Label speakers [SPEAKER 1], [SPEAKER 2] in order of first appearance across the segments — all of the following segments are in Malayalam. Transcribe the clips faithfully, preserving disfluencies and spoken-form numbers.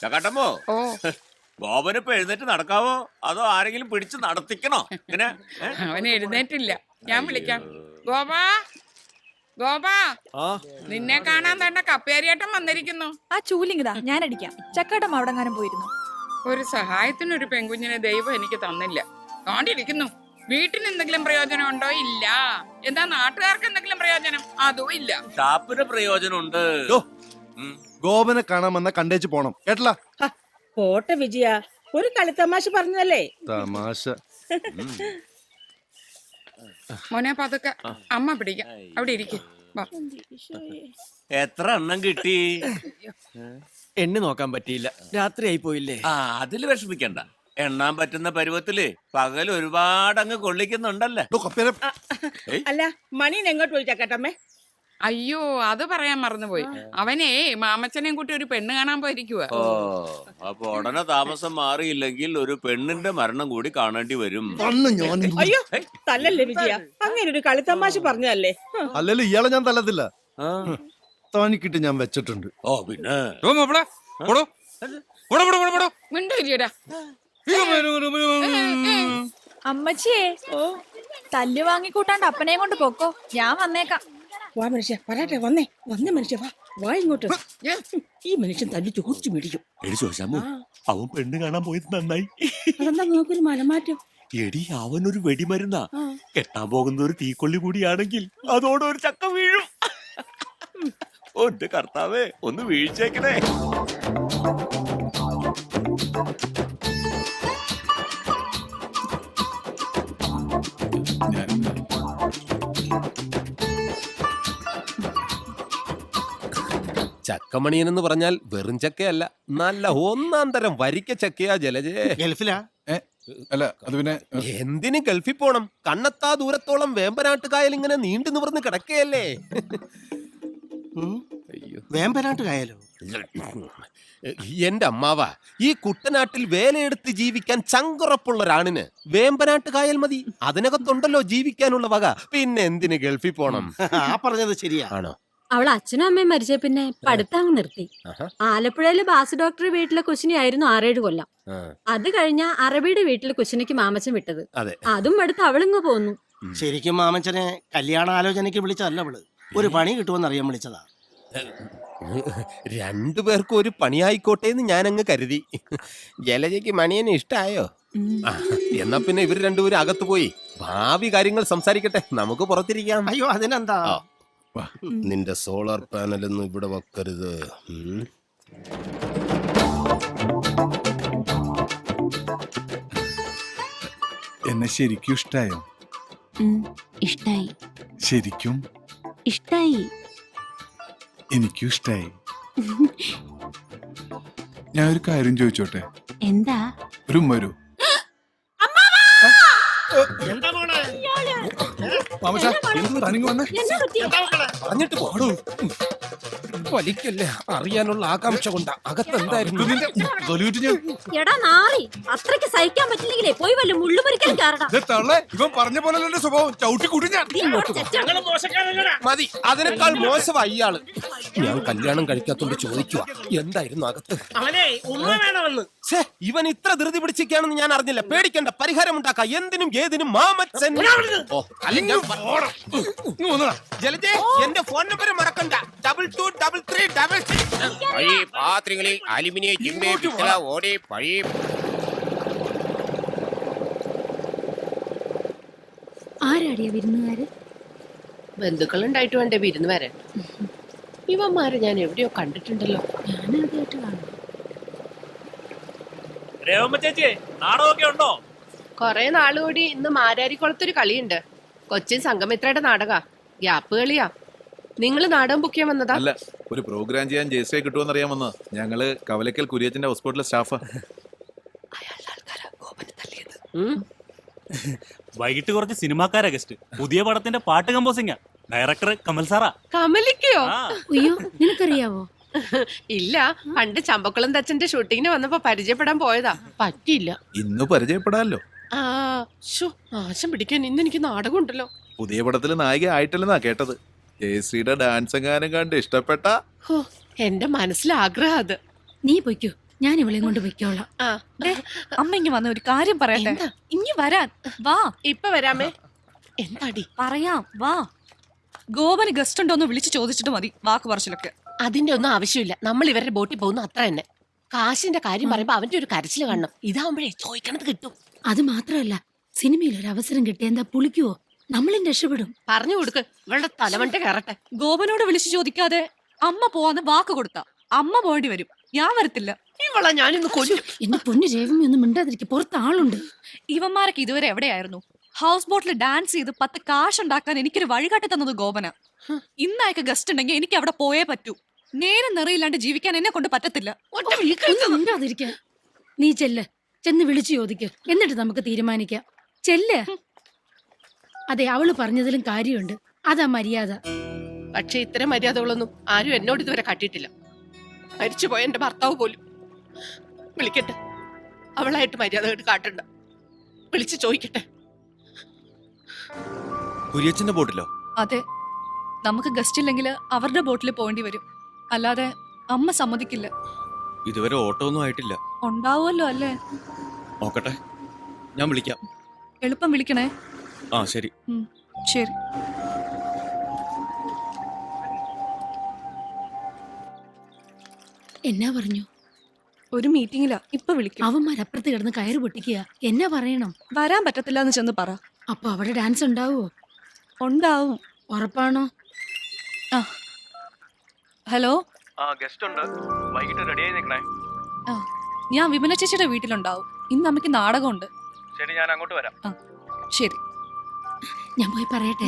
[SPEAKER 1] ചക്കാട്ടമ്മോ
[SPEAKER 2] ഓ
[SPEAKER 1] ഗോപനിപ്പോ എഴുന്നേറ്റ് നടക്കാവോ അതോ ആരെങ്കിലും പിടിച്ച് നടത്തിക്കണോ? ഇങ്ങനെ
[SPEAKER 2] അവൻ എഴുന്നേറ്റില്ല, ഞാൻ വിളിക്കാം. ഗോപാ, ഗോപാ, നിന്നെ കാണാൻ തന്നെ കപ്പേരിയേട്ടൻ വന്നിരിക്കുന്നു.
[SPEAKER 3] ആ ചൂലിങ്ങിതാ, ഞാൻ അടിക്കാം. ചക്കാട്ടം അവിടെങ്ങാനും പോയിരുന്നു.
[SPEAKER 2] ഒരു സഹായത്തിനൊരു പെൺകുഞ്ഞിനെ ദൈവം എനിക്ക് തന്നില്ല. കാണ്ടിരിക്കുന്നു. വീട്ടിന് എന്തെങ്കിലും പ്രയോജനം ഉണ്ടോ? ഇല്ല. എന്താ നാട്ടുകാർക്ക് എന്തെങ്കിലും പ്രയോജനം? അതും ഇല്ല.
[SPEAKER 1] ഷാപ്പിന് പ്രയോജനമുണ്ട്.
[SPEAKER 4] ഗോപനെ കാണാമെന്ന കണ്ടേച്ച് പോണം കേട്ടല.
[SPEAKER 5] പോട്ടെ വിജയ, ഒരു കളിത്തമാശ പറഞ്ഞല്ലേ.
[SPEAKER 4] തമാശ.
[SPEAKER 2] മോനെ പതുക്കെ, അമ്മ പിടിക്കാം. അവിടെ ഇരിക്കും.
[SPEAKER 1] എത്ര എണ്ണം കിട്ടി?
[SPEAKER 6] എണ്ണി നോക്കാൻ പറ്റിയില്ല, രാത്രിയായി പോയില്ലേ.
[SPEAKER 1] ആ അതില് വിഷമിക്കണ്ട. എണ്ണാൻ പറ്റുന്ന പരുവത്തില് പകൽ ഒരുപാട് അങ്ങ് കൊള്ളിക്കുന്നുണ്ടല്ലേ.
[SPEAKER 5] അല്ല, മണീൻ എങ്ങോട്ട് പോയി ചക്കട്ടമ്മേ?
[SPEAKER 2] അയ്യോ, അത് പറയാൻ മറന്നുപോയി. അവനേ മാമച്ചനെയും കൂട്ടി ഒരു പെണ്ണ് കാണാൻ പോയിരിക്കുക.
[SPEAKER 1] ഓ, അപ്പൊ ഉടനെ താമസം മാറിയില്ലെങ്കിൽ ഒരു പെണ്ണിന്റെ മരണം കൂടി കാണേണ്ടി വരും.
[SPEAKER 5] അയ്യോ തല്ലല്ലേ വിജയ, അങ്ങനെ ഒരു കളിത്തമാശ പറഞ്ഞല്ലേ.
[SPEAKER 4] അല്ലല്ലോ ഇയാളെ ഞാൻ തല്ലത്തില്ല, താനിക്കിട്ട് ഞാൻ വെച്ചിട്ടുണ്ട്.
[SPEAKER 1] ഓ പിന്നെ
[SPEAKER 2] മിണ്ടൂരിയടാ.
[SPEAKER 3] അമ്മച്ചിയെ തല്ല് വാങ്ങിക്കൂട്ടാണ്ട് അപ്പനെയും കൊണ്ട് പൊക്കോ, ഞാൻ വന്നേക്കാം.
[SPEAKER 5] വാ മനുഷ്യ, പറയട്ടെ, വന്നേ വന്നേ മനുഷ്യ, വാ വാ ഇങ്ങോട്ട്. ഈ മനുഷ്യൻ തല്ലി ചോദിച്ചു മേടിക്കും.
[SPEAKER 1] എടി ചോദിച്ചാമോ, അവൻ പെണ്ണ് കാണാൻ പോയത് നന്നായി.
[SPEAKER 5] അതെന്താ നോക്കൊരു മനമാറ്റം?
[SPEAKER 1] എടി അവനൊരു വെടിമരുന്നാ. കെട്ടാൻ പോകുന്ന ഒരു തീക്കൊള്ളി കൂടിയാണെങ്കിൽ അതോടെ ഒരു ചക്ക വീഴും. ഓ എന്റെ കർത്താവേ, ഒന്ന് വീഴ്ചേക്കണേ.
[SPEAKER 7] ചക്കമണിയൻ എന്ന് പറഞ്ഞാൽ വെറും ചക്കയല്ല, നല്ല ഒന്നാം തരം വരിക്ക ചക്കയാ ജലജേ.
[SPEAKER 4] ഗൾഫിലാ? അല്ല അത് പിന്നെ
[SPEAKER 7] എന്തിന് ഗൾഫിൽ പോണം? കണ്ണത്താ ദൂരത്തോളം വേമ്പനാട്ടുകായൽ ഇങ്ങനെ നീണ്ടു നിവർന്ന് കിടക്കയല്ലേ.
[SPEAKER 6] വേമ്പനാട്ട് കായലോ?
[SPEAKER 7] എന്റെ അമ്മാവ, ഈ കുട്ടനാട്ടിൽ വേലയെടുത്ത് ജീവിക്കാൻ ചങ്കുറപ്പുള്ള ഒരാണിന് വേമ്പനാട്ട് കായൽ മതി. അതിനകത്തുണ്ടല്ലോ ജീവിക്കാനുള്ള വക. പിന്നെ എന്തിന് ഗൾഫിൽ പോണം?
[SPEAKER 6] ആ പറഞ്ഞത് ശരിയാ.
[SPEAKER 7] ആണോ?
[SPEAKER 8] അവൾ അച്ഛനും അമ്മയും മരിച്ച പിന്നെ പഠിത്തം അങ്ങ് നിർത്തി. ആലപ്പുഴയില് ബാസ് ഡോക്ടർ വീട്ടിലെ കുശിനിയായിരുന്നു ആറേഴ് കൊല്ലം. അത് കഴിഞ്ഞ അറബിയുടെ വീട്ടിലെ കുശിനിക്ക് മാമച്ചൻ വിട്ടത്. അതും അടുത്ത് അവളിങ്ങ് പോന്നു.
[SPEAKER 6] ശരിക്കും മാമച്ചനെ കല്യാണ ആലോചനയ്ക്ക് വിളിച്ചതല്ല അവള്, ഒരു പണി കിട്ടുമെന്ന് അറിയാൻ വിളിച്ചതാ.
[SPEAKER 7] രണ്ടുപേർക്കും ഒരു പണിയായിക്കോട്ടെ എന്ന് ഞാൻ അങ്ങ് കരുതി. ജലജയ്ക്ക് മണിയനെ ഇഷ്ടായോ? എന്നാ പിന്നെ ഇവർ രണ്ടുപേരും അകത്ത് പോയി ഭാവി കാര്യങ്ങൾ സംസാരിക്കട്ടെ, നമുക്ക് പുറത്തിരിക്കാം.
[SPEAKER 6] അയ്യോ അതിനെന്താ,
[SPEAKER 7] നിന്റെ സോളാർ പാനലൊന്നും ഇവിടെ വെക്കരുത്.
[SPEAKER 9] എന്നെ ശരിക്കും ഇഷ്ടായോ?
[SPEAKER 8] ഇഷ്ടായി.
[SPEAKER 9] ശരിക്കും
[SPEAKER 8] ഇഷ്ടായി.
[SPEAKER 9] എനിക്കും ഇഷ്ടായി. ഞാൻ ഒരു കാര്യം ചോദിച്ചോട്ടെ?
[SPEAKER 8] എന്താ?
[SPEAKER 9] ഒരു ഉമ്മ വരൂ.
[SPEAKER 7] പറഞ്ഞിട്ട് പോടൂ. വലിക്കല്ലേ, അറിയാനുള്ള ആകാംക്ഷ കൊണ്ടാ. അകത്തെന്തായിരുന്നു?
[SPEAKER 8] എടാ നാറി, അത്രയ്ക്ക് സഹിക്കാൻ പറ്റില്ലെങ്കിലേ പോയി വല്ല മുള്ളുമുറിക്കലും കാരണം.
[SPEAKER 9] ഇവൻ പറഞ്ഞ പോലെ സ്വഭാവം ചവിട്ടി കൂട്ടി ഞാൻ.
[SPEAKER 7] മതി, അതിനേക്കാൾ മോശമായി ഇയാള്. ഞാൻ കല്യാണം കഴിക്കാത്തോണ്ട് ചോദിക്കുക, എന്തായിരുന്നു അകത്ത്? ഇവൻ ഇത്ര ധൃതി പിടിച്ചിരിക്കുകയാണെന്ന് ഞാൻ അറിഞ്ഞില്ല. പേടിക്കണ്ട, പരിഹാരം ഉണ്ടാക്കാം. എന്തിനും ഏതിനും മാമച്ചൻ. ജലജേ, എന്റെ ഫോൺ നമ്പർ മറക്കണ്ട. Double two double three double six.
[SPEAKER 10] പഴയ പാത്രങ്ങളിൽ അലുമിനിയം ചിമ്മി പിത്തള ഓടി പഴയ.
[SPEAKER 8] ആരാടിയ വിരുന്നുകാര്?
[SPEAKER 11] ബന്ധുക്കളുണ്ടായിട്ട് വേണ്ടേ വിരുന്ന് വരാൻ? ഇവന്മാരെ ഞാൻ എവിടെയോ കണ്ടിട്ടുണ്ടല്ലോ.
[SPEAKER 8] ഞാൻ ആദ്യമായിട്ട് കാണും.
[SPEAKER 1] നാടകമൊക്കെ ഉണ്ടോ?
[SPEAKER 11] കൊറേ നാളുകൂടി ഇന്ന് മാരാരിക്കുളത്തൊരു കളിയുണ്ട്. കൊച്ചിൻ സംഗമിത്രയുടെ നാടക ഗ്യാപ്പ് കളിയാ. നിങ്ങള് നാടകം ബുക്ക് ചെയ്യാൻ വന്നതാ?
[SPEAKER 9] അല്ല, ഒരു പ്രോഗ്രാം ചെയ്യാൻ ജയശ്രീ കിട്ടുമെന്ന് അറിയാൻ വന്നതാ. ഞങ്ങള് കവലക്കൽ കുര്യച്ചന്റെ ഹോസ്പിറ്റലിലെ സ്റ്റാഫാ.
[SPEAKER 12] വൈകിട്ട് കുറച്ച് സിനിമാക്കാരാ ഗസ്റ്റ്. പുതിയ പടത്തിന്റെ പാട്ട് കമ്പോസിംഗാ. ഡയറക്ടർ കമൽ സാറാ.
[SPEAKER 11] കമലിക്കോ?
[SPEAKER 8] അയ്യോ, നിനക്കറിയാവോ?
[SPEAKER 11] ഇല്ല, പണ്ട് ചമ്പക്കുളം തച്ചന്റെ ഷൂട്ടിങ്ങിന് വന്നപ്പോ പരിചയപ്പെടാൻ പോയതാ, പറ്റിയില്ല.
[SPEAKER 9] ഇന്ന് പരിചയപ്പെടാല്ലോ.
[SPEAKER 11] ആ ശോ, ആശം പിടിക്കാൻ ഇന്ന് എനിക്ക് നാടകം ഉണ്ടല്ലോ.
[SPEAKER 9] പുതിയ പടത്തില് നായിക ആയിട്ടില്ലെന്നാ കേട്ടത്. ജയശ്രീയുടെ ഡാൻസ് എങ്ങാനും കണ്ട് ഇഷ്ടപ്പെട്ട.
[SPEAKER 11] എന്റെ മനസ്സിലാഗ്രഹം അത്.
[SPEAKER 8] നീ പൊയ്ക്കോ,
[SPEAKER 5] ഞാൻ ഇവളെയും കൊണ്ട് പൊയ്ക്കോളാം.
[SPEAKER 11] ആ
[SPEAKER 3] ദേ, അമ്മ ഇങ്ങ് വന്ന ഒരു കാര്യം പറയട്ടെ.
[SPEAKER 11] എന്താ?
[SPEAKER 3] ഇങ്ങ് വരാൻ വാ.
[SPEAKER 11] ഇപ്പൊ വരാമേ. എന്താടി?
[SPEAKER 3] പറയാം വാ. ഗോപന് ഗസ്റ്റ് ഉണ്ടോന്ന് വിളിച്ചു ചോദിച്ചിട്ട് മതി വാക്ക് പറച്ചിലൊക്കെ.
[SPEAKER 11] അതിന്റെ ഒന്നും ആവശ്യമില്ല. നമ്മൾ ഇവരുടെ ബോട്ടിൽ പോകുന്നു അത്ര തന്നെ. കാശിന്റെ കാര്യം പറയുമ്പോ അവന്റെ ഒരു കരച്ചിൽ കാണണം. ഇതാവുമ്പോഴേ ചോദിക്കണത് കിട്ടും.
[SPEAKER 5] അത് മാത്രമല്ല, സിനിമയിൽ ഒരു അവസരം കിട്ടിയ എന്താ പുളിക്കുവോ? നമ്മളും രക്ഷപ്പെടും.
[SPEAKER 11] പറഞ്ഞു കൊടുക്ക്, ഇവളുടെ തലമണ്ട കയറട്ടെ.
[SPEAKER 3] ഗോപനോട് വിളിച്ചു ചോദിക്കാതെ അമ്മ പോവാന്ന് വാക്ക് കൊടുത്ത അമ്മ പോകേണ്ടി വരും. ഞാൻ വരത്തില്ല.
[SPEAKER 11] ഇവളെ ഞാനിന്ന് കൊല്ലും.
[SPEAKER 5] എന്റെ പൊന്നു രേവമി ഒന്നും മിണ്ടാതിരിക്കും, പുറത്ത് ആളുണ്ട്.
[SPEAKER 3] ഇവന്മാരൊക്കെ ഇതുവരെ എവിടെയായിരുന്നു? ഹൗസ് ബോട്ടിൽ ഡാൻസ് ചെയ്ത് പത്ത് കാശ് ഉണ്ടാക്കാൻ എനിക്കൊരു വഴികാട്ടി തന്നത് ഗോപന. ഇന്നയക്ക് ഗസ്റ്റ് ഉണ്ടെങ്കിൽ എനിക്ക് അവിടെ പോയേ പറ്റൂ. നേരെ നിറയില്ലാണ്ട് ജീവിക്കാൻ എന്നെ കൊണ്ട് പറ്റത്തില്ല.
[SPEAKER 5] ഒന്നും മിണ്ടാതിരിക്കാൻ. നീ ചെല്ല്, ചെന്ന് വിളിച്ചു ചോദിക്ക്, എന്നിട്ട് നമുക്ക് തീരുമാനിക്കാം. ചെല്ല്. അതെ, അവള് പറഞ്ഞതിലും കാര്യമുണ്ട്. അതാ മര്യാദ.
[SPEAKER 11] പക്ഷെ ഇത്തരം മര്യാദകളൊന്നും ആരും എന്നോട് ഇതുവരെ കാട്ടിയിട്ടില്ല. മരിച്ചുപോയ എന്റെ ഭർത്താവ് പോലും. വിളിക്കട്ടെ, അവളായിട്ട് മര്യാദ കാട്ടണ്ട. വിളിച്ചു ചോദിക്കട്ടെ.
[SPEAKER 1] കുര്യച്ചന്റെ ബോട്ടിലോ?
[SPEAKER 3] അതെ, നമുക്ക് ഗസ്റ്റ് ഇല്ലെങ്കിൽ അവരുടെ ബോട്ടിൽ പോകേണ്ടി വരും. അല്ലാതെ അമ്മ സമ്മതിക്കില്ല.
[SPEAKER 1] ഇതുവരെ ഓട്ടോ ഒന്നും ആയിട്ടില്ല.
[SPEAKER 3] ഉണ്ടാവുമല്ലോ അല്ലേ?
[SPEAKER 1] നോക്കട്ടെ, ഞാൻ വിളിക്കാം.
[SPEAKER 3] എളുപ്പം വിളിക്കണേ.
[SPEAKER 1] ആ ശരി.
[SPEAKER 3] ഉം, ശരി.
[SPEAKER 5] എന്നാ പറഞ്ഞു?
[SPEAKER 3] ഒരു മീറ്റിംഗിലാ, ഇപ്പൊ വിളിക്കും.
[SPEAKER 5] അവന്മാരപ്പുറത്ത് കിടന്ന് കയറ് പൊട്ടിക്കുക. എന്നാ പറയണം?
[SPEAKER 3] വരാൻ പറ്റത്തില്ല എന്ന് ചെന്ന് പറ.
[SPEAKER 5] അപ്പൊ അവിടെ ഡാൻസ് ഉണ്ടാവോ?
[SPEAKER 3] ഉണ്ടാവും.
[SPEAKER 5] ഉറപ്പാണോ?
[SPEAKER 3] ആ ഹലോ,
[SPEAKER 1] ആ ഗസ്റ്റ് ഉണ്ട്, വൈകിട്ട് റെഡി ആയി നിൽക്കണേ.
[SPEAKER 3] ആ ഞാൻ വിമല ചേച്ചിയുടെ വീട്ടിലുണ്ടാവും. ഇന്ന് അമ്മയ്ക്ക് നാടകമുണ്ട്.
[SPEAKER 1] ശരി, ഞാൻ അങ്ങോട്ട് വരാം.
[SPEAKER 3] ആ ശരി.
[SPEAKER 5] ഞാൻ പോയി പറയട്ടെ.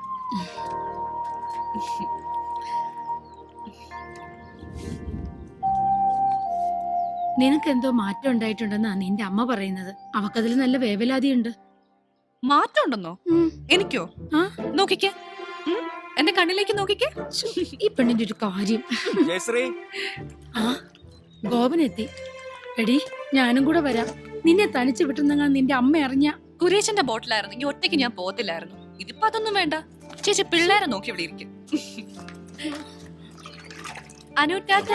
[SPEAKER 5] നിനക്ക് എന്തോ മാറ്റം ഉണ്ടായിട്ടുണ്ടെന്നാ നിന്റെ അമ്മ പറയുന്നത്. അവക്കതിൽ നല്ല വേവലാതിയുണ്ട്.
[SPEAKER 3] മാറ്റം ഉണ്ടെന്നോ? എനിക്കോ?
[SPEAKER 5] ആ
[SPEAKER 3] നോക്കിക്കേ, ഉം, എന്റെ കണ്ണിലേക്ക് നോക്കിക്കേ.
[SPEAKER 5] ഈ പെണ്ണിന്റെ ഒരു കാര്യം. ആ ഗോപനെത്തി. എടി, ഞാനും കൂടെ വരാം. നിന്നെ തനിച്ച് വിട്ടുന്നെങ്ങാൻ നിന്റെ അമ്മ അറിഞ്ഞ.
[SPEAKER 3] കുരേശന്റെ ബോട്ടിലായിരുന്നെങ്കിൽ ഒറ്റയ്ക്ക് ഞാൻ പോകത്തില്ലായിരുന്നു. ഇതിപ്പോ അതൊന്നും വേണ്ട. ചേച്ചി പിള്ളേരെ നോക്കി ഇവിടെ ഇരിക്കും. അനു ടാറ്റ.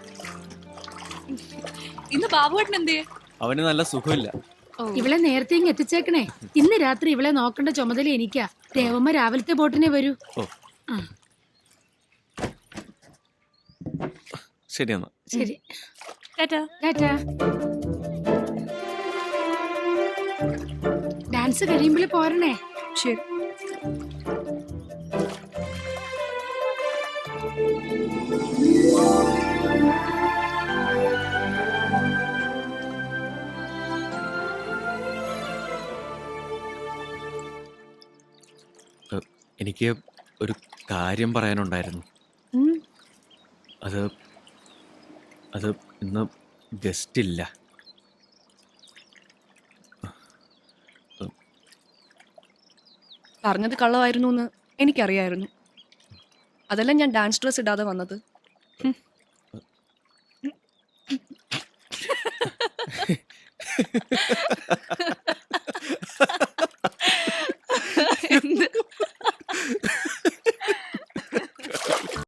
[SPEAKER 3] ഇന്ന് ബാബുവേട്ടൻ എന്തേ?
[SPEAKER 1] അവന് നല്ല സുഖമില്ല.
[SPEAKER 5] ഇവളെ നേരത്തെ ഇങ്ങ് എത്തിച്ചേക്കണേ. ഇന്ന് രാത്രി ഇവളെ നോക്കേണ്ട ചുമതല എനിക്കാ. ദേവമ്മ രാവിലത്തെ ബോട്ടിനെ വരൂ. ആ
[SPEAKER 1] ശരി എന്നാ.
[SPEAKER 5] ശരി,
[SPEAKER 3] ടാറ്റ.
[SPEAKER 5] ടാറ്റ. ഡാൻസ് കഴിയുമ്പോൾ പോരണേ.
[SPEAKER 3] ശരി.
[SPEAKER 1] എനിക്ക് ഒരു കാര്യം പറയാനുണ്ടായിരുന്നു. അത് അത് ഇന്ന് ഗസ്റ്റ് ഇല്ല.
[SPEAKER 3] പറഞ്ഞത് കള്ളമായിരുന്നു എന്ന് എനിക്കറിയായിരുന്നു. അതല്ല ഞാൻ ഡാൻസ് ഡ്രസ് ഇടാതെ വന്നത്.